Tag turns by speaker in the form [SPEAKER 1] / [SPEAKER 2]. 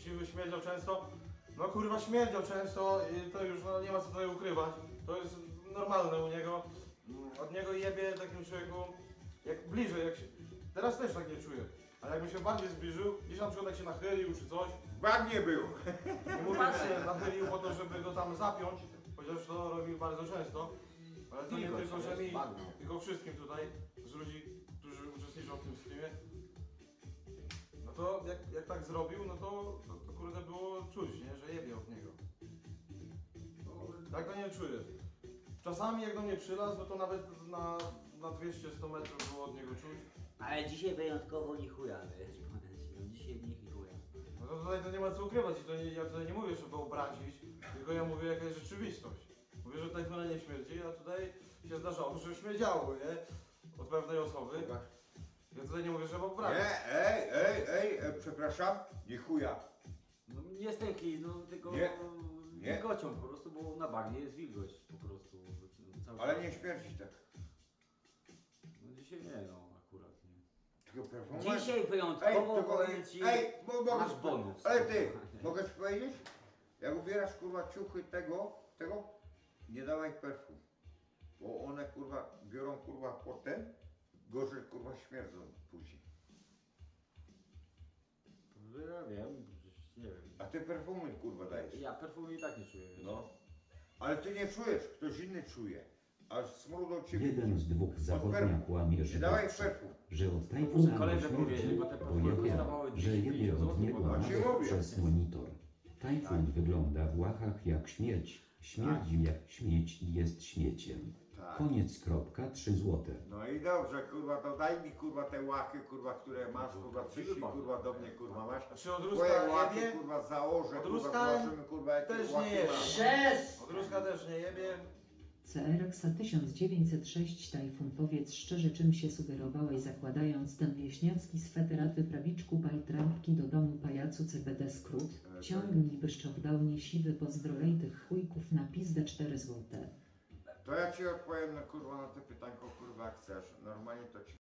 [SPEAKER 1] siwy, śmierdział często. No kurwa śmierdział często i to już no, nie ma co tutaj ukrywać. To jest normalne u niego. Od niego jebie takim człowieku, jak bliżej, jak się... Teraz też tak nie czuję. Ale jakby się bardziej zbliżył, gdzieś na przykład jak się nachylił czy coś,
[SPEAKER 2] Bagnie był.
[SPEAKER 1] nie mówię, że się nachylił po to, żeby go tam zapiąć, chociaż to robił bardzo często. Ale to nie tylko, że mi, tylko wszystkim tutaj, z ludzi, którzy uczestniczą w tym streamie. No to jak tak zrobił, no to kurde było czuć, nie? Że jebie od niego. Tak to nie czuję. Czasami jak do mnie przylazł, no to nawet na 200-100 metrów było od niego czuć.
[SPEAKER 3] Ale dzisiaj wyjątkowo ni chuja, wiesz, no dzisiaj nie chuja.
[SPEAKER 1] No to tutaj to nie ma co ukrywać i to nie, ja tutaj nie mówię, żeby obrazić, tylko ja mówię jaka jest rzeczywistość. Mówię, że Tajfuna nie śmierdzi, a tutaj się zdarzało, że śmierdziało, nie? Od pewnej osoby. Ja tutaj nie mówię, żeby obrazić.
[SPEAKER 2] Nie, przepraszam, nie chuja.
[SPEAKER 3] No nie stękli, no tylko
[SPEAKER 2] Nie.
[SPEAKER 3] wilgocią po prostu, bo na bagnie jest wilgoć po prostu. Cały
[SPEAKER 2] Ale
[SPEAKER 3] czas.
[SPEAKER 2] nie śmierdzi tak.
[SPEAKER 3] No dzisiaj nie, no akurat nie.
[SPEAKER 2] Tylko perfum.
[SPEAKER 3] Dzisiaj wyjątkowo powiem ci, masz bonus.
[SPEAKER 2] Ale ty, mogę ci powiedzieć? Jak ubierasz kurwa ciuchy tego, nie dawaj perfum. Bo one kurwa biorą kurwa potem, gorzej kurwa śmierdzą później.
[SPEAKER 3] Ja wiem, nie wiem.
[SPEAKER 2] A ty perfumy kurwa dajesz.
[SPEAKER 3] Ja perfumy i tak nie czuję. Wiesz?
[SPEAKER 2] No. Ale ty nie czujesz, ktoś inny czuje. A smród od ciebie.
[SPEAKER 4] Jeden z dwóch zachodnia kłamie,
[SPEAKER 2] Nie
[SPEAKER 4] że
[SPEAKER 2] dawaj
[SPEAKER 4] dobrze,
[SPEAKER 2] perfum.
[SPEAKER 4] że od
[SPEAKER 3] Muszę
[SPEAKER 4] Tajfuna
[SPEAKER 3] koledze
[SPEAKER 4] nie
[SPEAKER 3] powiedzieć,
[SPEAKER 4] śmierdzi,
[SPEAKER 3] bo te
[SPEAKER 4] bo
[SPEAKER 3] perfumy
[SPEAKER 4] ja
[SPEAKER 3] kosztowały
[SPEAKER 4] wiem, że jebie
[SPEAKER 3] 250
[SPEAKER 4] od niego
[SPEAKER 3] zł,
[SPEAKER 2] a ci
[SPEAKER 4] nawet
[SPEAKER 2] mówię.
[SPEAKER 4] przez monitor. Tajfun wygląda w łachach jak śmierć. Śmierdzi jak śmieć i jest śmieciem.
[SPEAKER 2] Tak.
[SPEAKER 4] Koniec kropka, 3 złote.
[SPEAKER 2] No i dobrze, kurwa, to daj mi kurwa te łachy, kurwa, które masz, kurwa, przyszli kurwa do mnie, kurwa, masz.
[SPEAKER 1] Czy od
[SPEAKER 2] Twoje
[SPEAKER 1] Ruska
[SPEAKER 2] łachy,
[SPEAKER 1] jebie?
[SPEAKER 2] kurwa, założę,
[SPEAKER 1] Od
[SPEAKER 2] kurwa,
[SPEAKER 1] Ruska
[SPEAKER 2] zobaczymy, kurwa, jakie
[SPEAKER 1] też nie
[SPEAKER 2] łachy
[SPEAKER 1] jebie.
[SPEAKER 2] masz.
[SPEAKER 1] Od Ruska też nie jebie.
[SPEAKER 5] CRX 1906 Tajfun, powiedz szczerze, czym się sugerowałeś, zakładając ten wieśniacki sweterat prawiczku bajtrampki do domu pajacu CBD skrót? Ciągnij wyszczokdałnie siwy, pozdrolej tych chujków na pizdę 4 złote.
[SPEAKER 2] To ja ci odpowiem na kurwa na to pytanko, kurwa, jak chcesz. Normalnie to ci